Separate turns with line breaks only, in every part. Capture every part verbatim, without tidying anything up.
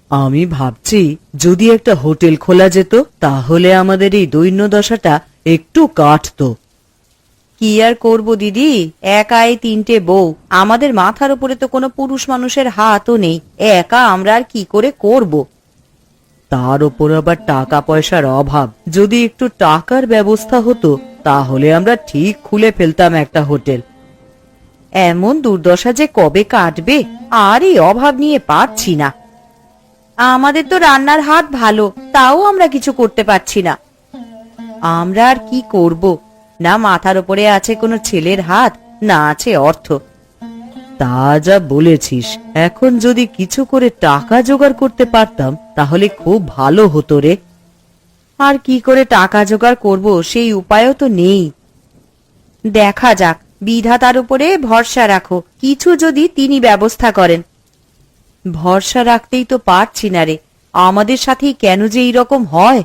আমি ভাবছি যদি একটা হোটেল খোলা যেত তাহলে আমাদের এই দৈন্যদশাটা একটু কাটতো। কি আর করব দিদি, একাই তিনটে বউ, আমাদের মাথার উপরে তো কোনো পুরুষ মানুষের হাতও নেই, একা আমরা আর কি করে করব। তার উপর আবার টাকা পয়সার অভাব, যদি একটু টাকার ব্যবস্থা হতো তাহলে আমরা ঠিক খুলে ফেলতাম একটা হোটেল। এমন দুর্দশা যে কবে কাটবে, আর এই অভাব নিয়ে পারছি না। আমাদের তো রান্নার হাত ভালো, তাও আমরা কিছু করতে পারছি না। আমরা আর কি করব, না মাথার উপরে আছে কোনো ছেলের হাত, না আছে অর্থ। তা যা বলেছিস, এখন যদি কিছু করে টাকা জোগাড় করতে পারতাম তাহলে খুব ভালো হতো রে। আর কি করে টাকা জোগাড় করব সেই উপায়ও তো নেই। দেখা যাক, বিধাতার উপরে ভরসা রাখো, কিছু যদি তিনি ব্যবস্থা করেন। ভরসা রাখতেই তো পারছি না রে, আমাদের সাথেই কেন যে এইরকম হয়।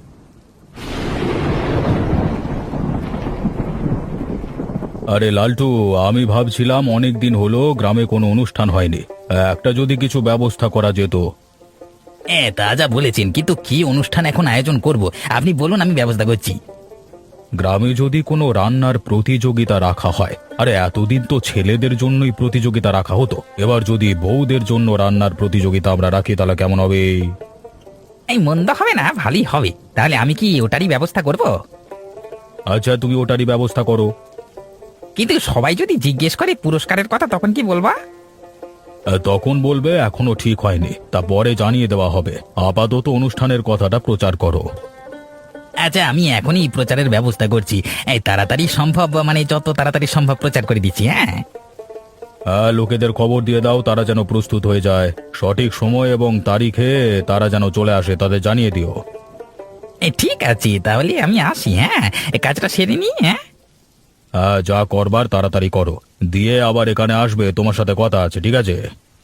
আরে লালটু, আমি ভাবছিলাম অনেক দিন হলো গ্রামে কোনো অনুষ্ঠান হয়নি, একটা যদি কিছু ব্যবস্থা করা যেত।
হ্যাঁ, তা যা বলেছেন, কিন্তু কি অনুষ্ঠান এখন আয়োজন করব আপনি বলুন, আমি ব্যবস্থা করছি।
গ্রামে যদি কোনো রান্নার প্রতিযোগিতা রাখা হয়, আরে এতদিন তো ছেলেদের জন্যই প্রতিযোগিতা রাখা হতো, এবার যদি বউদের জন্য রান্নার প্রতিযোগিতা আমরা রাখি তাহলে কেমন হবে?
এই মন্দ হবে না, ভালোই হবে। তাহলে আমি কি ওটারই ব্যবস্থা করব?
আচ্ছা, তুমি ওটারই ব্যবস্থা করো।
কিন্তু সবাই যদি জিজ্ঞেস করে পুরস্কারের কথা, তখন কি বলবা?
আহ, তখন বলবে এখনো ঠিক হয়নি, তা পরে জানিয়ে দেওয়া হবে। আপাতত অনুষ্ঠানের কথাটা প্রচার করো।
আচ্ছা, আমি এখনই প্রচারের ব্যবস্থা করছি। এই তাড়াতাড়ি সম্ভব, মানে যত তাড়াতাড়ি সম্ভব প্রচার করে দিচ্ছি। হ্যাঁ
হ্যাঁ, লোকেদের খবর দিয়ে দাও, তারা যেন প্রস্তুত হয়ে যায়। সঠিক সময় এবং তারিখে তারা যেন চলে আসে, তাদের জানিয়ে দিও।
এই ঠিক আছে, তাহলে আমি আসি। হ্যাঁ, এই কাজটা সেরে নি। হ্যাঁ
হ্যাঁ, যা করবার তাড়াতাড়ি করো, দিয়ে আবার এখানে আসবে, তোমার সাথে কথা আছে, ঠিক আছে?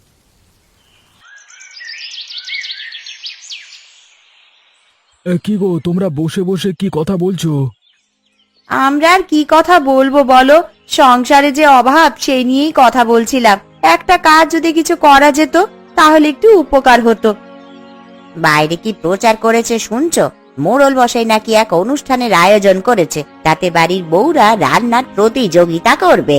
কি গো, তোমরা বসে বসে কি কথা বলছো?
আমরা আর কি কথা বলবো বলো, সংসারে যে অভাব সেই নিয়েই কথা বলছিলাম। একটা কাজ যদি কিছু করা যেত তাহলে একটু উপকার হতো। বাইরে কি প্রচার করেছে শুনছো? মোড়ল বসাই নাকি এক অনুষ্ঠানের আয়োজন করেছে, তাতে বাড়ির বউরা রান্নার প্রতিযোগিতা করবে।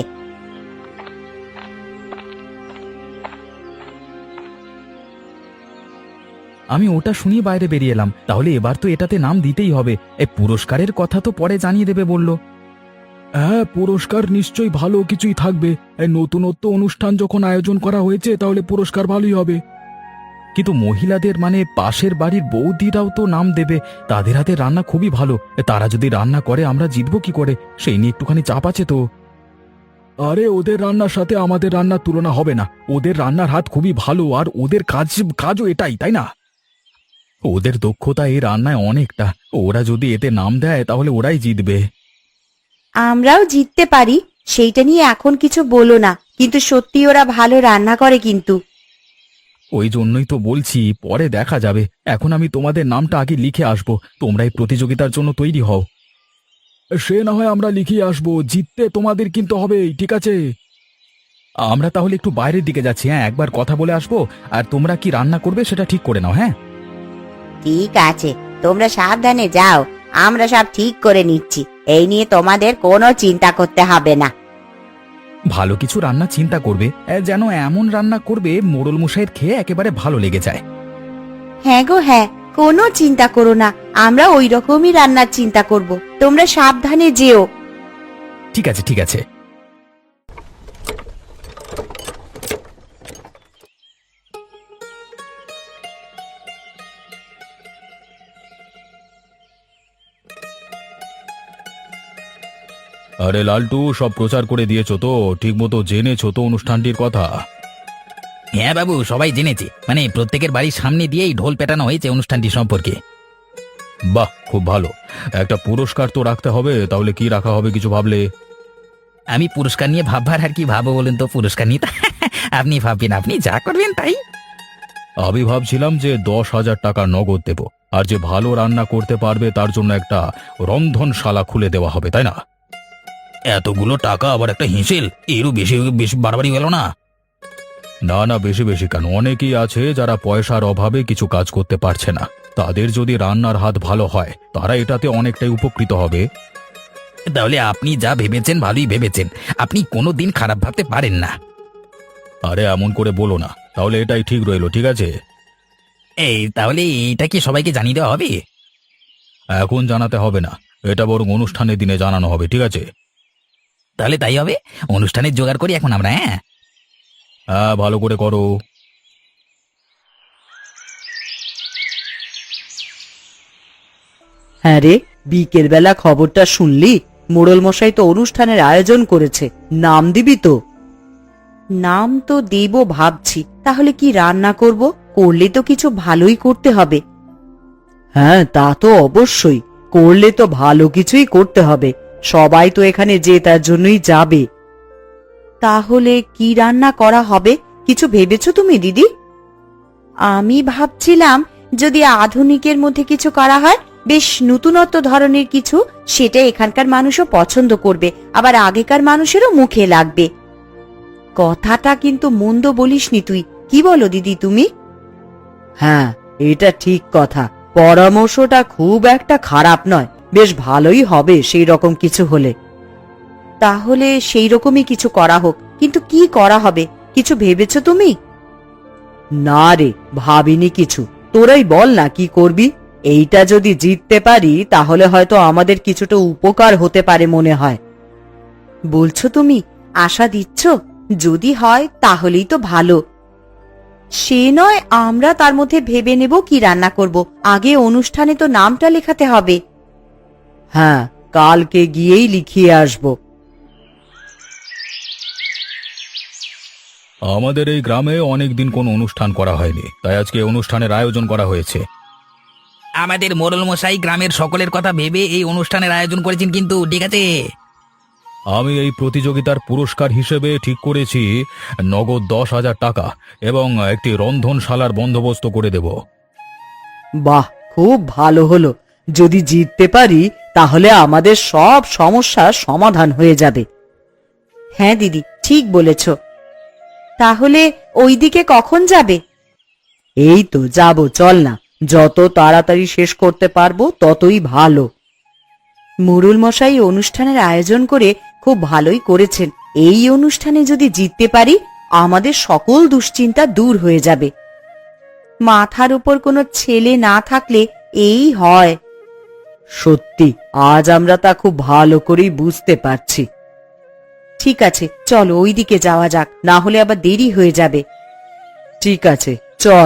আমি ওটা শুনি বাইরে বেরিয়ে এলাম। তাহলে এবার তো এটাতে নাম দিতেই হবে। এই পুরস্কারের কথা তো পরে জানিয়ে দেবে বললো।
হ্যাঁ, পুরস্কার নিশ্চয়ই ভালো কিছুই থাকবে। এই নতুনত্ব অনুষ্ঠান যখন আয়োজন করা হয়েছে তাহলে পুরস্কার ভালোই হবে।
কিন্তু মহিলাদের মানে পাশের বাড়ির বৌদিরাও তো নাম দেবে, তাদের হাতে রান্না খুবই ভালো। তারা যদি রান্না করে আমরা জিতবো কি করে, সেই নিয়ে একটুখানি চাপ আছে তো।
আরে, ওদের রান্নার সাথে আমাদের রান্নার তুলনা হবে না। ওদের রান্নার হাত খুবই ভালো, আর ওদের কাজ কাজও এটাই, তাই না?
ওদের দক্ষতা এই রান্নায় অনেকটা, ওরা যদি এতে নাম দেয় তাহলে ওরাই জিতবে।
আমরাও জিততে পারি, সেইটা নিয়ে এখন কিছু বলো না, কিন্তু সত্যি ওরা ভালো রান্না করে কিন্তু।
ওই জন্যই তো বলছি, পরে দেখা যাবে। এখন আমি তোমাদের নামটা আগে লিখে আসবো, তোমরা এই প্রতিযোগিতার জন্য তৈরি হও।
সে না হয় আমরা লিখিয়ে আসবো, জিততে তোমাদের কিন্তু হবেই, ঠিক আছে?
আমরা তাহলে একটু বাইরের দিকে যাচ্ছি। হ্যাঁ, একবার কথা বলে আসবো, আর তোমরা কি রান্না করবে সেটা ঠিক করে নাও। হ্যাঁ
ঠিক আছে, তোমরা সাবধানে যাও, আমরা সব ঠিক করে নিচ্ছি, এই নিয়ে তোমাদের কোনো চিন্তা করতে হবে না।
ভালো কিছু রান্না চিন্তা করবে, এ, যেন এমন রান্না করবে মোড়ল মশাইয়ের খেয়ে একেবারে ভালো লেগে যায়।
হ্যাঁ গো হ্যাঁ, কোনো চিন্তা করো না, আমরা ওই রকমই রান্নার চিন্তা করব, তোমরা সাবধানে যেও।
ঠিক আছে ঠিক আছে।
আরে লালটু, সব প্রচার করে দিয়েছো তো? ঠিক মতো জেনেছো তো অনুষ্ঠানটির কথা?
হ্যাঁ বাবু, সবাই জেনেছে, মানে প্রত্যেকের বাড়ির সামনে দিয়েই ঢোল পেটানো হয়েছে অনুষ্ঠানটি সম্পর্কে।
বাহ, খুব ভালো। একটা পুরস্কার তো রাখতে হবে, তাহলে কি রাখা হবে কিছু ভাবলে?
আমি পুরস্কার নিয়ে ভাববার আর কি ভাবো বলুন তো, পুরস্কার নিয়ে তো আপনি ভাববেন, আপনি যা করবেন তাই।
আমি ভাবছিলাম যে দশ হাজার টাকা নগদ দেব, আর যে ভালো রান্না করতে পারবে তার জন্য একটা রন্ধনশালা খুলে দেওয়া হবে, তাই না?
এতগুলো টাকা আবার একটা হিঁসেল, এরও বেশি বেশি বাড়াবাড়ি গেল না?
না না, বেশি বেশি কেন? অনেকেই আছে যারা পয়সার অভাবে কিছু কাজ করতে পারছে না। তাদের যদি রান্নার হাত ভালো হয় তারা এটাতে অনেকটাই উপকৃত হবে।
তাহলে আপনি যা ভেবেছেন ভালোই ভেবেছেন, আপনি কোনো দিন খারাপ ভাবতে পারেন না।
আরে এমন করে বলো না, তাহলে এটাই ঠিক রইলো, ঠিক আছে?
এই তাহলে এইটা কি সবাইকে জানিয়ে দেওয়া হবে?
এখন জানাতে হবে না, এটা বরং অনুষ্ঠানের দিনে জানানো হবে, ঠিক আছে?
তাহলে তাই হবে, অনুষ্ঠানের জোগাড় করি এখন আমরা। হ্যাঁ,
হ্যাঁ, ভালো করে করো।
হ্যাঁ রে, বিকেল বেলা খবরটা শুনলি? মোড়ল মশাই তো অনুষ্ঠানের আয়োজন করেছে, নাম দিবি তো? নাম তো দেব ভাবছি, তাহলে কি রান্না করব? করলে তো কিছু ভালোই করতে হবে। হ্যাঁ, তা তো অবশ্যই, করলে তো ভালো কিছুই করতে হবে। সবাই তো এখানে যে তার জন্যই যাবে। তাহলে কি রান্না করা হবে, কিছু ভেবেছো তুমি দিদি? আমি ভাবছিলাম যদি আধুনিকের মধ্যে কিছু করা হয়, বেশ নতুনত্ব ধরনের কিছু, সেটা এখানকার মানুষও পছন্দ করবে, আবার আগেকার মানুষেরও মুখে লাগবে। কথাটা কিন্তু মন্দ বলিসনি তুই, কি বলো দিদি তুমি? হ্যাঁ, এটা ঠিক কথা, পরামর্শটা খুব একটা খারাপ নয়, বেশ ভালোই হবে সেই রকম কিছু হলে। তাহলে সেই রকমই কিছু করা হোক, কিন্তু কি করা হবে কিছু ভেবেছো তুমি? না রে, ভাবিনি কিছু, তোরাই বল না কি করবি। এইটা যদি জিততে পারি তাহলে হয়তো আমাদের কিছুটা উপকার হতে পারে মনে হয়। বলছো তুমি? আশা দিচ্ছ? যদি হয় তাহলেই তো ভালো। সে নয়, আমরা তার মধ্যে ভেবে নেব কি রান্না করব, আগে অনুষ্ঠানে তো নামটা লেখাতে হবে। হ্যাঁ, কালকে গিয়েই লিখিয়ে আসব।
আমাদের এই গ্রামে অনেকদিন কোনো অনুষ্ঠান করা হয়নি, তাই আজকে অনুষ্ঠানের আয়োজন করা হয়েছে।
আমাদের মোড়ল মশাই গ্রামের সকলের কথা ভেবে এই অনুষ্ঠানের আয়োজন করেছেন, কিন্তু ঠিক আছে।
আমি এই প্রতিযোগিতার পুরস্কার হিসেবে ঠিক করেছি নগদ দশ হাজার টাকা এবং একটি রন্ধনশালার বন্দোবস্ত করে দেব।
বাহ, খুব ভালো হলো। যদি জিততে পারি তাহলে আমাদের সব সমস্যার সমাধান হয়ে যাবে। হ্যাঁ দিদি, ঠিক বলেছ। তাহলে ওইদিকে কখন যাবে? এই তো যাব, চল না, যত তাড়াতাড়ি শেষ করতে পারবো ততই ভালো। মোড়ল মশাই অনুষ্ঠানের আয়োজন করে খুব ভালোই করেছেন। এই অনুষ্ঠানে যদি জিততে পারি আমাদের সকল দুশ্চিন্তা দূর হয়ে যাবে। মাথার উপর কোনো ছেলে না থাকলে এই হয়। সত্যি, আজ আমরা তা খুব ভালো করেই বুঝতে পারছি। ঠিক আছে, চলো ওইদিকে যাওয়া যাক, না হলে আবার দেরি হয়ে যাবে। ঠিক আছে, চল।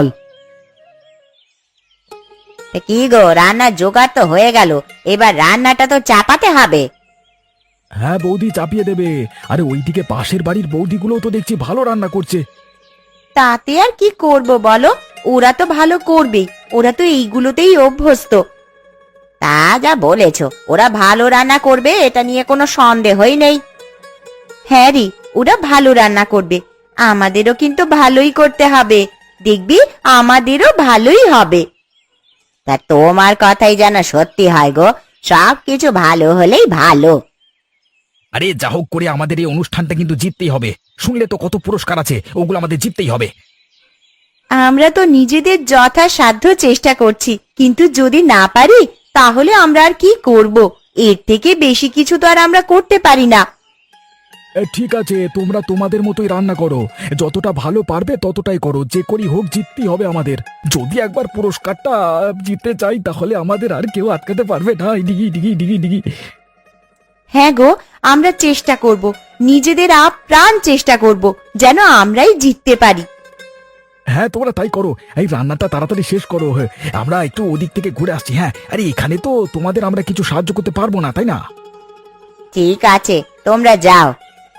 কি গো, রান্নার জোগাড় তো হয়ে গেল, এবার রান্নাটা তো চাপাতে হবে।
হ্যাঁ বৌদি চাপিয়ে দেবে। আরে ওইদিকে পাশের বাড়ির বৌদিগুলো তো দেখছি ভালো রান্না করছে।
তাতে আর কি করব বলো, ওরা তো ভালো করবেই, ওরা তো এইগুলোতেই অভ্যস্ত। তা যা বলেছ, ওরা ভালো রান্না করবে এটা নিয়ে কোনো সন্দেহই নেই। হ্যাঁ রে, ওরা ভালো রান্না করবে, আমাদেরও কিন্তু ভালোই করতে হবে, দেখবি আমাদেরও ভালোই হবে। তা তোমার কথাই যেন সত্যি হয় গো, সব কিছু ভালো হলেই ভালো।
আরে যা হোক করে আমাদের এই অনুষ্ঠানটা কিন্তু জিততেই হবে। শুনলে তো কত পুরস্কার আছে, ওগুলো আমাদের জিততেই হবে।
আমরা তো নিজেদের যথাসাধ্য চেষ্টা করছি, কিন্তু যদি না পারি তাহলে আমরা আর কি করব? এর থেকে বেশি কিছু তো আর আমরা করতে পারি না।
এ, ঠিক আছে, তোমরা তোমাদের মতোই রান্না করো, যতটা ভালো পারবে ততটাই করো, যে করি হোক জিততেই হবে আমাদের। যদি একবার পুরস্কারটা জিততে চাই তাহলে আমাদের আর কেউ আটকাতে পারবে না। ডিগি ডিগি ডিগি ডিগি।
হ্যাঁ গো, আমরা চেষ্টা করব, নিজেদের আপ্রাণ চেষ্টা করব যেন আমরাই জিততে পারি।
হ্যাঁ তোমরা তাই করো, এই রান্নাটা তাড়াতাড়ি শেষ করো। হ্যাঁ, আমরা একটু ওদিক থেকে ঘুরে আসছি। হ্যাঁ, আরে এখানে তো তোমাদের আমরা কিছু সাহায্য করতে পারবো না, তাই না?
ঠিক আছে, তোমরা যাও।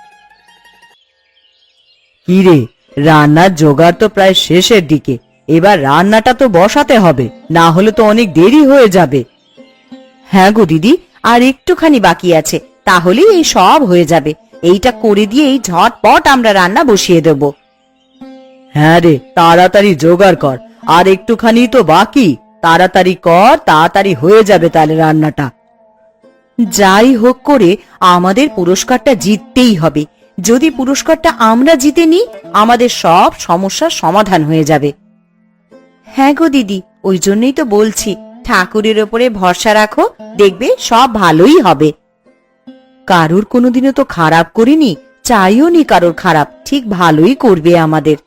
কি রে, রান্নার জোগাড় তো প্রায় শেষের দিকে, এবার রান্নাটা তো বসাতে হবে, না হলে তো অনেক দেরি হয়ে যাবে। হ্যাঁ গো দিদি, আর একটুখানি বাকি আছে, তাহলেই এই সব হয়ে যাবে। এইটা করে দিয়েই ঝটপট আমরা রান্না বসিয়ে দেব। হ্যাঁ রে, তাড়াতাড়ি জোগাড় কর, আর একটুখানি তো বাকি, তাড়াতাড়ি কর, তাড়াতাড়ি হয়ে যাবে তাহলে রান্নাটা। যাই হোক করে আমাদের পুরস্কারটা জিততেই হবে, যদি পুরস্কারটা আমরা জিতে নিই আমাদের সব সমস্যার সমাধান হয়ে যাবে। হ্যাঁ গো দিদি, ওই জন্যই তো বলছি ঠাকুরের ওপরে ভরসা রাখো, দেখবে সব ভালোই হবে। কারুর কোনোদিনও তো খারাপ করিনি, চাইও নি কারোর খারাপ, ঠিক ভালোই করবে আমাদের।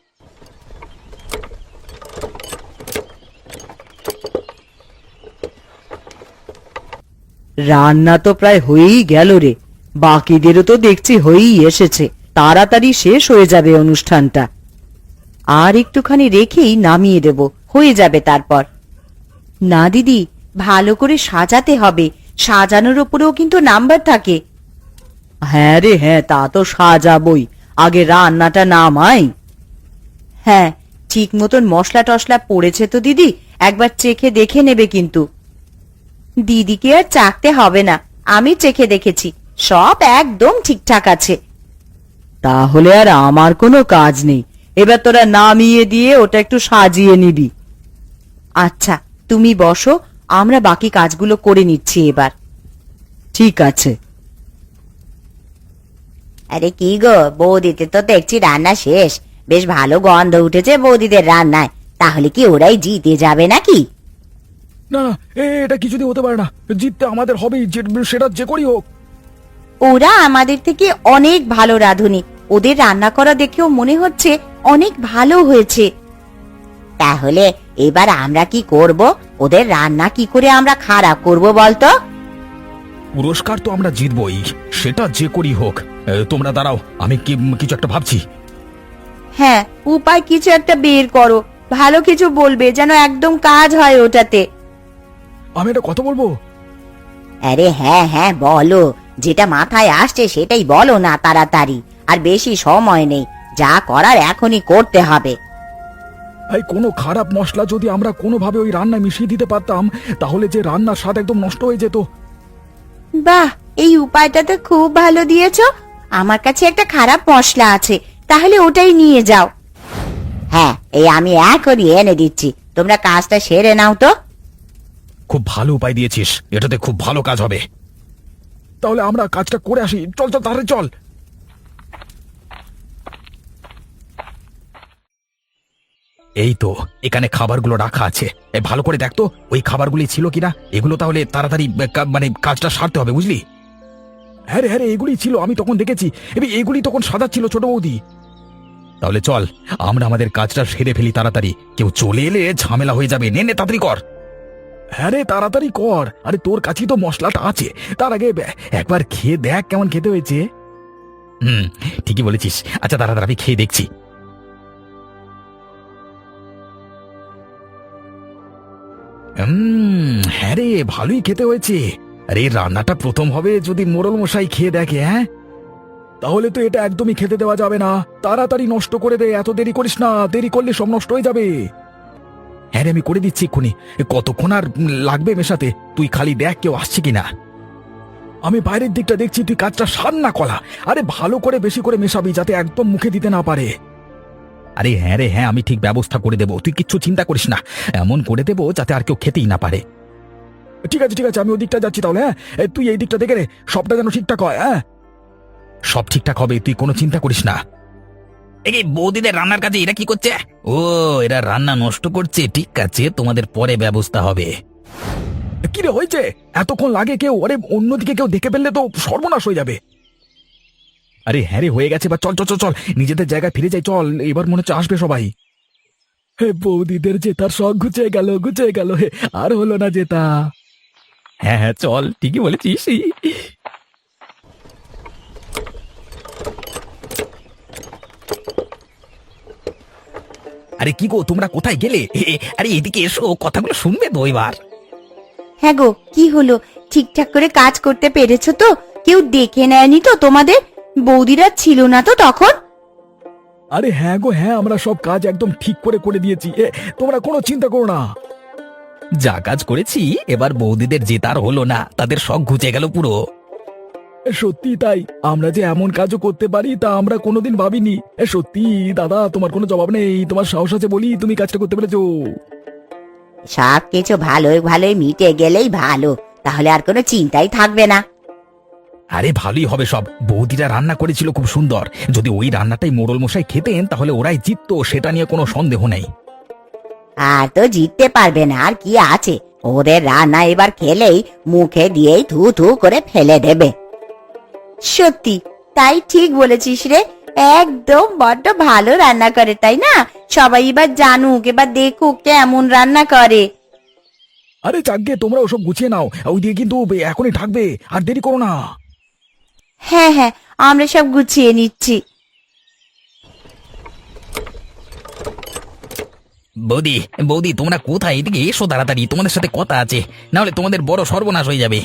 রান্না তো প্রায় হয়েই গেল রে, বাকিদেরও তো দেখছি হয়েই এসেছে, তাড়াতাড়ি শেষ হয়ে যাবে অনুষ্ঠানটা। আর একটুখানি রেখেই নামিয়ে দেব, হয়ে যাবে তারপর। না দিদি, ভালো করে সাজাতে হবে, সাজানোর উপরেও কিন্তু নাম্বার থাকে। হ্যাঁ রে হ্যাঁ, তা তো সাজাবই, আগে রান্নাটা নামাই। হ্যাঁ, ঠিক মতন মশলা টশলা পড়েছে তো দিদি, একবার চেখে দেখে নেবে কিন্তু। দিদিকে আর চাকতে হবে না, আমি চেখে দেখেছি, সব একদম ঠিকঠাক আছে। তাহলে আর আমার কোনো কাজ নেই, এবার তোরা নামিয়ে দিয়ে ওটা একটু সাজিয়ে নিবি। আচ্ছা তুমি বসো, আমরা বাকি কাজগুলো করে নিচ্ছি এবার। ঠিক আছে।
আরে কি গো বৌদিতে তো দেখছি রান্না শেষ, বেশ ভালো গন্ধ উঠেছে বৌদিদের রান্নায়, তাহলে কি ওরাই জিতে যাবে নাকি?
না না, এ এটা কিছুতেই হতে পারে না, জিততে আমাদের হবেই, যে- সেটা যে করি হোক।
ওরা আমাদের থেকে অনেক ভালো রাঁধুনি, ওদের রান্না করা দেখেও মনে হচ্ছে অনেক ভালো হয়েছে। তাহলে এবার আমরা কি করব? ওদের রান্না কি করে আমরা খারাপ করব বলতো?
পুরস্কার তো আমরা জিতবই, সেটা যে করি হোক। এ, তোমরা দাঁড়াও, আমি কি কিছু একটা ভাবছি।
হ্যাঁ, উপায় কিছু একটা বের করো, ভালো কিছু বলবে যেন একদম কাজ হয় ওটাতে।
আমি একটা কথা বলবো।
আরে হ্যাঁ হ্যাঁ বলো, যেটা মাথায় আসছে সেটাই বলো না তাড়াতাড়ি, আর বেশি সময় নেই, যা করার এখনই করতে হবে।
এই কোনো খারাপ মশলা যদি আমরা কোনোভাবে ওই রান্নায় মিশিয়ে দিতে পারতাম, তাহলে যে রান্নার স্বাদ একদম নষ্ট হয়ে যেত।
বাহ, এই উপায়টা তো খুব ভালো দিয়েছো। আমার কাছে একটা খারাপ মশলা আছে, তাহলে ওটাই নিয়ে যাও। হ্যাঁ, এই আমি এখনই এনে দিচ্ছি, তোমরা কাজটা সেরে নাও তো।
খুব ভালো উপায় দিয়েছিস, এটাতে খুব ভালো কাজ হবে।
তাহলে আমরা কাজটা করে আসি, চল চল তাহলে চল।
এই তো, এখানে খাবারগুলো রাখা আছে, এ, ভালো করে দেখ তো ওই খাবারগুলি ছিল কিনা। এগুলো তাহলে তাড়াতাড়ি এ, কা- মানে কাজটা সারতে হবে, বুঝলি?
হ্যাঁ রে হ্যাঁ রে, এগুলি ছিল, আমি তখন দেখেছি, এবার এগুলি তখন সাদা ছিল ছোট বৌদি।
তাহলে চল আমরা আমাদের কাজটা সেরে ফেলি তাড়াতাড়ি, কেউ চলে এলে ঝামেলা হয়ে যাবে। নে নে তাড়াতাড়ি কর।
হ্যাঁ রে, তাড়াতাড়ি কর, আরে তোর কাছেই তো মশলাটা আছে, তার আগে বে- একবার খেয়ে দেখ কেমন খেতে হয়েছে।
হুম, ঠিকই বলেছিস। আচ্ছা তাড়াতাড়ি আমি খেয়ে দেখছি।
হুম, হ্যাঁ রে, ভালোই খেতে হয়েছে। আরে এই রান্নাটা প্রথম হবে যদি মোড়ল মশাই খেয়ে দেখে, হ্যাঁ তাহলে তো এটা একদমই খেতে দেওয়া যাবে না, তাড়াতাড়ি নষ্ট করে দে, এত দেরি করিস না, দেরি করলে সব নষ্ট হয়ে যাবে। হ্যাঁ রে, আমি করে দিচ্ছি এক্ষুনি, কতক্ষণ আর লাগবে মেশাতে, তুই খালি দেখ কেউ আসছে কিনা। আমি বাইরের দিকটা দেখছি, তুই কাজটা সার না কলা, আরে ভালো করে বেশি করে মেশাবি যাতে একদম মুখে দিতে না পারে।
আরে হ্যাঁ রে হ্যাঁ, আমি ঠিক ব্যবস্থা করে দেবো, তুই কিচ্ছু চিন্তা করিস না, এমন করে দেবো যাতে আর কেউ খেতেই না পারে।
ঠিক আছে ঠিক আছে, আমি ওই দিকটা যাচ্ছি তাহলে, হ্যাঁ এ, তুই এই দিকটা দেখে রে, সবটা যেন ঠিকঠাক হয়। হ্যাঁ
সব ঠিকঠাক হবে, তুই কোনো চিন্তা করিস না।
এই বৌদিদের রান্নার কাজে এরা কি করছে? ও, এরা রান্না নষ্ট করছে, ঠিক আছে, তোমাদের পরে ব্যবস্থা হবে।
কি রে হয়েছে, এতক্ষণ লাগে কেউ, আরে অন্যদিকে কেউ দেখে ফেললে তো সর্বনাশ হয়ে যাবে। আরে হ্যাঁ রে, হয়ে গেছে, বা চল চল চল চল নিজেদের জায়গায় ফিরে যাই, চল, এবার মনে হচ্ছে আসবে সবাই। হে বৌদিদের জেতার শখ ঘুচে গেল ঘুচে গেল, হে আর হলো না জেতা।
হ্যাঁ হ্যাঁ চল, ঠিকই বলেছিস।
আরে কি গো, তোমরা কোথায় গেলে? এ, এ, আরে এদিকে এসো, কথাগুলো শুনবে তো এবার।
হ্যাঁ গো, কি হলো, ঠিকঠাক করে কাজ করতে পেরেছো তো? কেউ দেখে নেয়নি তো তোমাদের? বৌদিরা ছিল না তো তখন?
আরে হ্যাঁ গো হ্যাঁ, আমরা সব কাজ একদম ঠিক করে করে দিয়েছি, এ, তোমরা কোনো চিন্তা করো না।
যা কাজ করেছি, এবার বৌদিদের জেতার হলো না, তাদের শখ ঘুচে গেল পুরো।
এ, সত্যি তাই, আমরা যে এমন কাজও করতে পারি তা আমরা কোনোদিন ভাবিনি। এ, সত্যি দাদা, তোমার কোনো জবাব নেই, তোমার সাহস আছে বলি তুমি কাজটা করতে পেরেছো।
সব কিছু ভালোই ভালোই মিটে গেলেই ভালো, তাহলে আর কোনো চিন্তাই থাকবে না।
আরে ভালোই হবে সব, বৌদিরা রান্না করেছিল খুব সুন্দর। যদি ওই রান্নাটাই মোড়ল মশাই খেতেন তাহলে ওরাই জিততো, সেটা নিয়ে কোনো সন্দেহ নেই।
আর তো জিততে পারবে না, আর কি আছে, ওদের রান্না এবার খেলেই মুখে দিয়েই থু থু করে ফেলে দেবে। সত্যি তাই, ঠিক বলেছিস রে, একদম বড্ড ভালো রান্না করে, তাই না? সবাই এবার জানুক, এবার দেখুক কেমন রান্না করে।
আরে যাকগে, তোমরা ওসব গুছিয়ে নাও, ওই দিয়ে কিন্তু এখনই ঢাকবে, আর দেরি করো না।
হ্যাঁ হ্যাঁ, আমরা সব গুছিয়ে নিচ্ছি।
বৌদি বৌদি তোমরা কোথায়? এদিকে এসো তাড়াতাড়ি, তোমাদের সাথে কথা আছে, না হলে তোমাদের বড় সর্বনাশ হয়ে যাবে।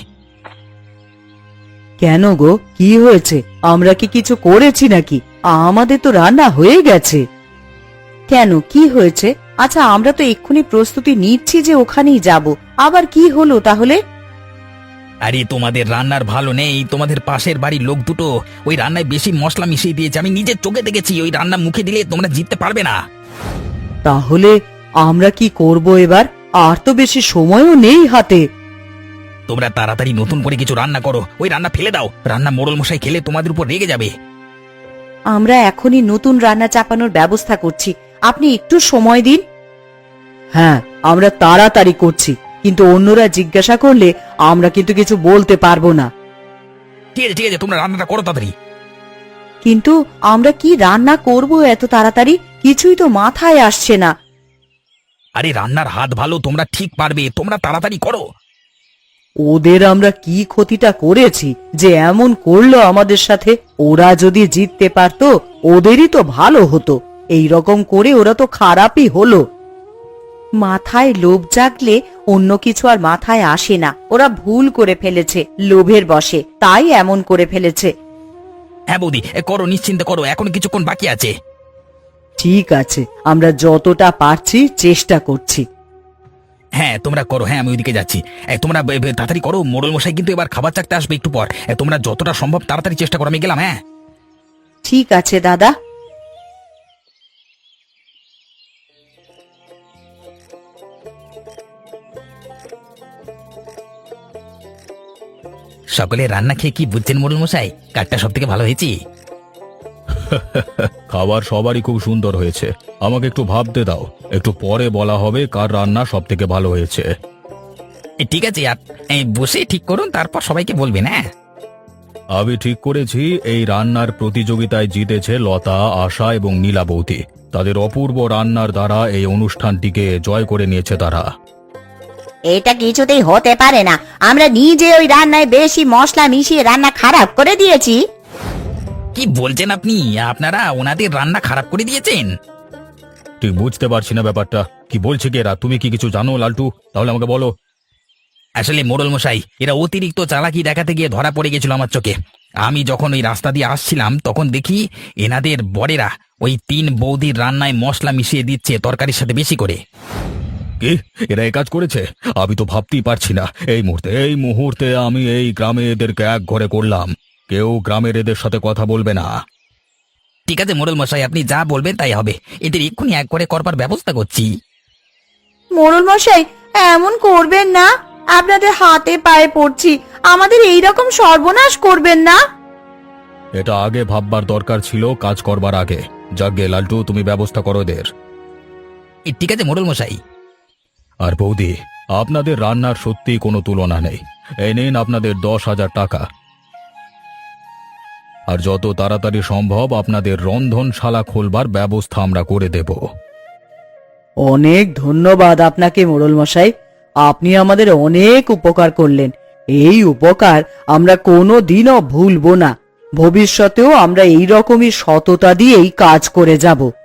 কেন গো, কি হয়েছে? আমরা কি কিছু করেছি নাকি? আমাদের তো রান্না হয়ে গেছে। কেন, কি হয়েছে? আচ্ছা, আমরা তো এক্ষুনি প্রস্তুতি নিচ্ছি যে ওখানেই যাব, আবার কি হলো তাহলে?
আরে তোমাদের রান্নার ভালো নেই, তোমাদের পাশের বাড়ির লোক দুটো ওই রান্নায় বেশি মশলা মিশিয়ে দিয়েছে, আমি নিজের চোখে দেখেছি। ওই রান্না মুখে দিলে তোমরা জিততে পারবে না।
তাহলে আমরা কি করব এবার? আর তো বেশি সময়ও নেই হাতে।
তোমরা তাড়াতাড়ি নতুন করে কিছু রান্না করো, ওই রান্না ফেলে দাও। রান্না মোড়ল মশাই খেলে তোমাদের উপর রেগে যাবে।
আমরা এখনই নতুন রান্না চাপানোর ব্যবস্থা করছি, আপনি একটু সময় দিন। হ্যাঁ, আমরা তাড়াতাড়ি করছি, কিন্তু অন্যরা জিজ্ঞাসা করলে আমরা কিন্তু কিছু বলতে পারবো না।
ঠিক আছে ঠিক আছে, তোমরা রান্নাটা করো তাড়াতাড়ি।
কিন্তু আমরা কি রান্না করব এত তাড়াতাড়ি? কিছুই তো মাথায় আসছে না।
আরে রান্নার হাত ভালো, তোমরা ঠিক পারবে, তোমরা তাড়াতাড়ি করো।
ওদের আমরা কি ক্ষতিটা করেছি যে এমন করলো আমাদের সাথে? ওরা যদি জিততে পারতো ওদেরই তো ভালো হতো, এই রকম করে ওরা তো খারাপই হলো। মাথায় লোভ জাগলে অন্য কিছু আর মাথায় আসে না। ওরা ভুল করে ফেলেছে, লোভের বশে, তাই এমন করে ফেলেছে।
হ্যাঁ বৌদি, এ করো, নিশ্চিন্তে করো, এখন কিছুক্ষণ বাকি আছে।
ঠিক আছে, আমরা যতটা পারছি চেষ্টা করছি।
হ্যাঁ তোমরা করো, হ্যাঁ আমি ওইদিকে যাচ্ছি। এ, তোমরা বে- বে- তাড়াতাড়ি করো, মোড়ল মশাই কিন্তু এবার খাবার চাকতে আসবে একটু পর। এ, তোমরা যতটা সম্ভব তাড়াতাড়ি চেষ্টা করো, আমি গেলাম। হ্যাঁ
ঠিক আছে দাদা।
সকলে রান্না খেয়ে কি বুঝছেন মোড়ল মশাই? কাঠটা সব থেকে ভালো হয়েছে।
খাবার সবারই খুব সুন্দর হয়েছে। আমাকে একটু ভাবতে দাও, একটু পরে বলা হবে কার রান্না সব থেকে ভালো হয়েছে।
এ, ঠিক আছে, আর এ, বসে ঠিক করুন, তারপর সবাইকে বলবেন। হ্যাঁ
আমি ঠিক করেছি, এই রান্নার প্রতিযোগিতায় জিতেছে লতা, আশা এবং নীলা বৌদি। তাদের অপূর্ব রান্নার দ্বারা এই অনুষ্ঠানটিকে জয় করে নিয়েছে তারা।
এটা কিছুতেই হতে পারে না, আমরা নিজে ওই রান্নায় বেশি মশলা মিশিয়ে রান্না খারাপ করে দিয়েছি।
কি বলছেন আপনি? আপনারা ওনাদের রান্না খারাপ করে দিয়েছেন?
ঠিক বুঝতে পারছি না ব্যাপারটা, কি বলছে কি এরা? তুমি কি কিছু জানো লালটু? তাহলে আমাকে বলো।
আসলে মোড়ল মশাই, এরা অতিরিক্ত চালাকি দেখাতে গিয়ে ধরা পড়ে গেছিল আমার চোখে। আমি যখন ওই রাস্তা দিয়ে আসছিলাম তখন দেখি এনাদের বরেরা ওই তিন বৌদির রান্নায় মশলা মিশিয়ে দিচ্ছে তরকারির সাথে বেশি করে।
কি, এরা এই কাজ করেছে? আমি তো ভাবতেই পারছি না। এই মুহূর্তে এই মুহূর্তে আমি এই গ্রামে এদেরকে এক ঘরে করলাম। কেউ গ্রামের এদের সাথে কথা বলবে না।
ঠিক আছে মোড়ল মশাই, আপনি যা বলবেন তাই হবে। এদের এক্ষুনি এক করে করবার ব্যবস্থা করছি।
মোড়ল মশাই, এমন করবেন না, আপনাদের হাতে পায়ে পড়ছি, আমাদের এই রকম সর্বনাশ করবেন না।
এটা আগে ভাববার দরকার ছিল, কাজ করবার আগে। যাকগে লালটু, তুমি ব্যবস্থা করো এদের।
এ, ঠিক আছে মোড়ল মশাই।
আর বৌদি, আপনাদের রান্নার সত্যি কোনো তুলনা নেই। এই নিন আপনাদের দশ হাজার টাকা। আর যত তাড়াতাড়ি সম্ভব আপনাদের রন্ধনশালা খোলবার ব্যবস্থা আমরা করে দেব।
অনেক ধন্যবাদ আপনাকে মোড়ল মশাই, আপনি আমাদের অনেক উপকার করলেন। এই উপকার আমরা কোনো দিনও ভুলবো না। ভবিষ্যতেও আমরা এই রকমই সততা দিয়েই কাজ করে যাব।